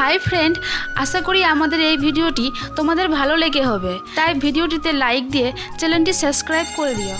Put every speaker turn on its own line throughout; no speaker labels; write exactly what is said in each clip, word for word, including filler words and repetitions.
Hi friend, আশা করি আমাদের এই ভিডিওটি তোমাদের ভালো লেগে হবে, তাই ভিডিওটিতে লাইক দিয়ে চ্যানেলটি সাবস্ক্রাইব করে দিও।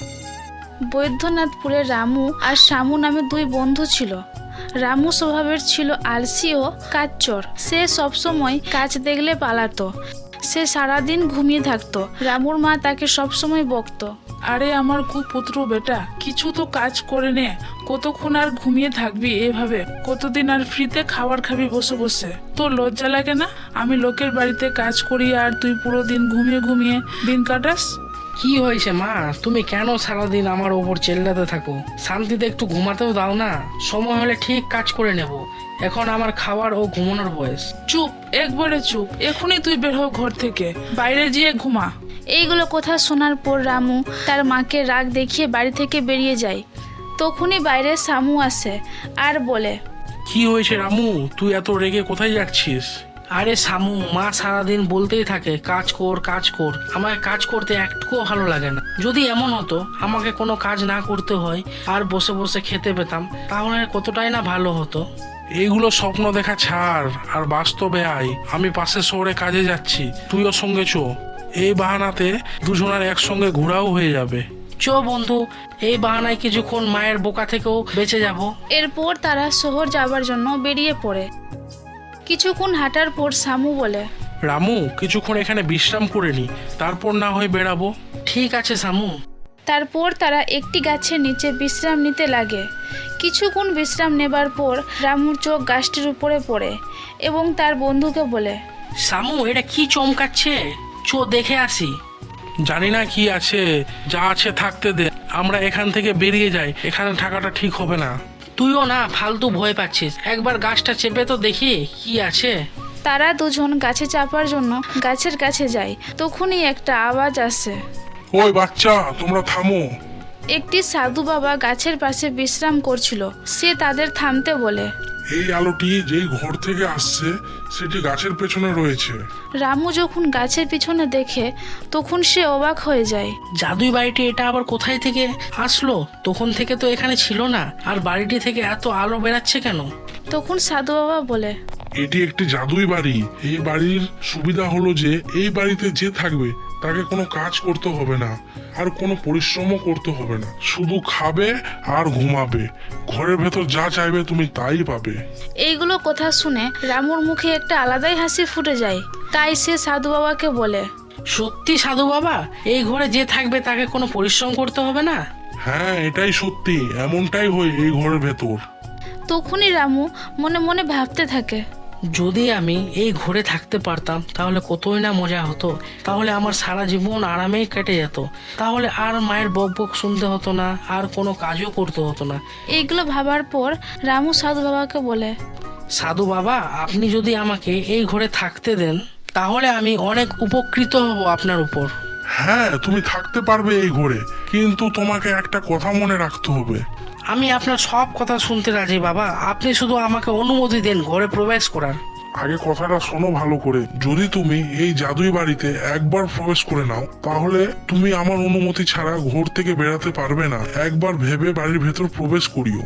বৈদ্যনাথপুরে রামু আর শামু নামে দুই বন্ধু ছিল। রামু স্বভাবের ছিল আলসি ও কাজচোর। সে সবসময় কাজ দেখলে পালাতো। সে সারাদিন ঘুমিয়ে থাকতো। রামুর মা তাকে সবসময় বকতো,
আরে আমার কুপুত্র বেটা, কিছু তো কাজ করে নে। কতক্ষণ আর ঘুমিয়ে থাকবি এভাবে? কতদিন আর ফ্রিতে খাবার খাবি বসে বসে? তোর লজ্জা লাগে না? আমি লোকের বাড়িতে কাজ করি আর তুই পুরো দিন ঘুমিয়ে ঘুমিয়ে দিন কাটাস।
কি হয়েছে মা? তুমি কেন সারাদিন আমার ওপর চেল্লাতে থাকো? শান্তিতে একটু ঘুমাতেও দাও না। সময় হলে ঠিক কাজ করে নেব। এখন আমার খাবার ও ঘুমানোর বয়স।
চুপ, একবারে চুপ। এখনই তুই বের হ ঘর থেকে, বাইরে গিয়ে ঘুমা।
এইগুলো কথা শোনার পর রামু তার মাকে রাগ দেখিয়ে বাড়ি থেকে বেরিয়ে যায়। তখনই বাইরে শামু আসে আর বলে,
কি হয়েছে রামু, তুই এত রেগে কোথায় যাচ্ছিস?
আরে শামু, মা সারাদিন বলতেই থাকে কাজ কর কাজ কর। আমাকে কাজ করতে একটুকুও ভালো লাগে না। যদি এমন হতো আমাকে কোনো কাজ না করতে হয় আর বসে বসে খেতে পেতাম, তাহলে কতটাই না ভালো হতো।
এইগুলো স্বপ্ন দেখা ছাড় আর বাস্তবে আয়। আমি পাশের শহরে কাজে যাচ্ছি, তুইও সঙ্গে চো। এই বাহানাতে দুজনের একসঙ্গে ঘোরাও হয়ে যাবে।
চো বন্ধু, এই বাহানায় কিছুক্ষণ মায়ের বোকা থেকেও বেঁচে যাব।
এরপর তারা শহর যাবার জন্য বেরিয়ে পড়ে। কিছুক্ষণ হাঁটার পর শামু বলে,
রামু, কিছুক্ষণ এখানে বিশ্রাম করে নি, তারপর না হয় বেরাবো।
ঠিক আছে শামু।
তারপর তারা একটি গাছের নিচে বিশ্রাম নিতে লাগে। কিছুক্ষণ বিশ্রাম নেবার পর রামুর চোখ গাছটির উপরে পড়ে এবং তার বন্ধুকে বলে,
শামু, এটা কি চমকাচ্ছে? চো দেখে আসি।
জানি না কি আছে, যা আছে থাকতে দে। আমরা এখান থেকে বেরিয়ে যাই, এখানে থাকাটা ঠিক হবে না।
তুইও না ফালতু ভয় পাচ্ছিস, একবার গাছটা চেপে তো দেখি কি আছে।
তারা দুজন গাছে চাপার জন্য গাছের কাছে যায়। তখনই একটা আওয়াজ আসে।
ওই বাচ্চা, তোমরা থামো।
একটি সাধু বাবা গাছের পাশে বিশ্রাম করছিল। সে তাদের থামতে বলে,
এই আলোটি যেই ঘর থেকে আসছে সেটি গাছের পেছনে রয়েছে।
রামু যখন গাছের পিছনে দেখে তখন সে অবাক হয়ে যায়।
জাদুই বাড়িটি এটা আবার কোথায় থেকে আসলো? তখন থেকে তো এখানে ছিল না, আর বাড়িটি থেকে এত আলো বেরাচ্ছে কেন?
তখন সাধু বাবা বলে,
এটি একটি জাদুই বাড়ি। এই বাড়ির সুবিধা হলো যে এই বাড়িতে যে থাকবে তাকে কোনো কাজ করতে হবে না আর কোনো পরিশ্রমও করতে হবে না, শুধু খাবে আর ঘুমাবে। ঘরের ভেতর যা চাইবে তুমি তাই পাবে।
এইগুলো কথা শুনে রামুর মুখে একটা আলাদাই হাসি ফুটে যায়। তাই সে সাধু বাবাকে বলে,
সত্যি সাধু বাবা, এই ঘরে যে থাকবে তাকে কোনো পরিশ্রম করতে হবে না?
হ্যাঁ, এটাই সত্যি, এমনটাই হয় এই ঘরের ভেতর।
তখনই রামু মনে মনে ভাবতে থাকে,
যদি আমি এই ঘরে থাকতে পারতাম তাহলে কতই না মজা হতো। তাহলে আমার সারা জীবন আরামেই কেটে যেত। তাহলে আর মায়ের বক বক শুনতে হতো না, আর কোনো কাজও করতে হতো না।
এইগুলো ভাবার পর রামু সাধু বাবাকে বলে,
সাধু বাবা, আপনি যদি আমাকে এই ঘরে থাকতে দেন তাহলে আমি অনেক উপকৃত হব আপনার উপর।
হ্যাঁ, তুমি থাকতে পারবে এই ঘরে, কিন্তু তোমাকে একটা কথা মনে রাখতে হবে।
আমি আপনার সব কথা শুনতে রাজি বাবা, আপনি শুধু আমাকে অনুমতি দেন ঘরে প্রবেশ করার।
আগে কথাটা শোনো ভালো করে। যদি তুমি এই জাদুই বাড়িতে একবার প্রবেশ করে নাও তাহলে তুমি আমার অনুমতি ছাড়া ঘর থেকে বেরাতে পারবে না। একবার ভেবে বাড়ির ভেতর প্রবেশ করিও।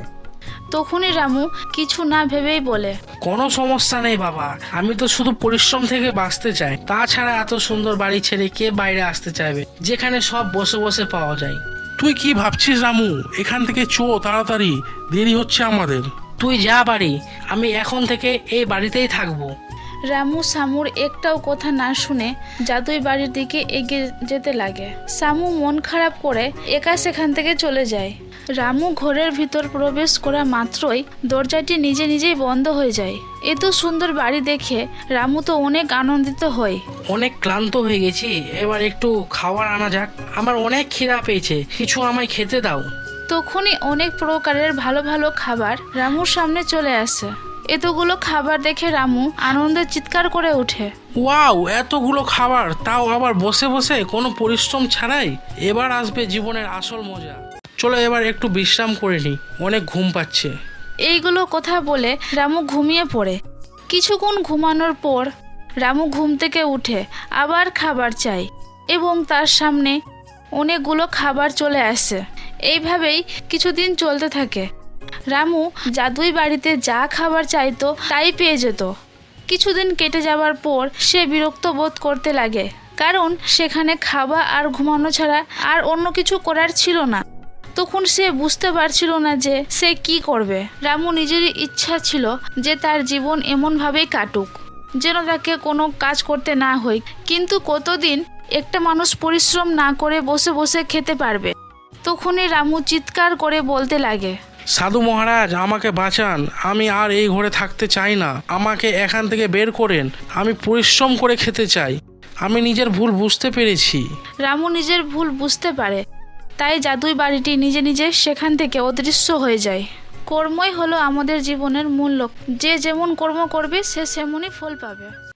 তখনই রামু কিছু না ভেবেই বলে,
কোনো সমস্যা নেই বাবা, আমি তো শুধু পরিশ্রম থেকে বাঁচতে চাই। তাছাড়া এত সুন্দর বাড়ি ছেড়ে কে বাইরে আসতে চাইবে, যেখানে সব বসে বসে পাওয়া যায়।
তুই কি ভাবছিস রামু? এখান থেকে চো তাড়াতাড়ি, দেরি হচ্ছে আমাদের।
তুই যা বাড়ি, আমি এখন থেকে এই বাড়িতেই থাকবো।
রামু শামুর একটাও কথা না শুনে জাদুই বাড়ির দিকে এগিয়ে যেতে লাগে। শামু মন খারাপ করে একা সেখান থেকে চলে যায়। রামু ঘরের ভিতর প্রবেশ করা মাত্রই দরজাটি নিজে নিজেই বন্ধ হয়ে যায়। এত সুন্দর বাড়ি দেখে রামু তো অনেক আনন্দিত হয়।
অনেক ক্লান্ত হয়ে গেছি, এবার একটু খাবার আনা যাক। আমার অনেক খিদা পেয়েছে, কিছু আমায় খেতে দাও।
তখনই অনেক প্রকারের ভালো ভালো খাবার রামুর সামনে চলে আসে। এতগুলো খাবার দেখে রামু আনন্দে চিৎকার করে ওঠে,
ওয়াও, এতগুলো খাবার, তাও আবার বসে বসে, কোনো পরিশ্রম ছাড়াই। এবার আসবে জীবনের আসল মজা। চলো এবার একটু বিশ্রাম করে নিই, অনেক ঘুম পাচ্ছে।
এইগুলো কথা বলে রামু ঘুমিয়ে পড়ে। কিছুক্ষণ ঘুমানোর পর রামু ঘুম থেকে উঠে আবার খাবার চায় এবং তার সামনে অনেকগুলো খাবার চলে আসে। এইভাবেই কিছুদিন চলতে থাকে। রামু জাদুই বাড়িতে যা খাবার চাইতো তাই পেয়ে যেত। কিছুদিন কেটে যাওয়ার পর সে বিরক্ত বোধ করতে লাগে, কারণ সেখানে খাওয়া আর ঘুমানো ছাড়া আর অন্য কিছু করার ছিল না। তখন সে বুঝতে পারছিল না যে সে কি করবে। রামু নিজেরই ইচ্ছা ছিল যে তার জীবন এমনভাবেই কাটুক যেন তাকে কোনো কাজ করতে না হয়। কিন্তু কতদিন একটা মানুষ পরিশ্রম না করে বসে বসে খেতে পারবে? তখনই রামু চিৎকার করে বলতে লাগে,
সাধু মহারাজ, আমাকে বাঁচান, আমি আর এই ঘরে থাকতে চাই না, আমাকে এখান থেকে বের করেন, আমি পরিশ্রম করে খেতে চাই, আমি নিজের ভুল বুঝতে পেরেছি।
রামু নিজের ভুল বুঝতে পারে, তাই জাদুই বাড়িটি নিজে নিজে সেখান থেকে অদৃশ্য হয়ে যায়। কর্মই হলো আমাদের জীবনের মূল লক্ষ্য, যে যেমন কর্ম করবে সে সেমনই ফল পাবে।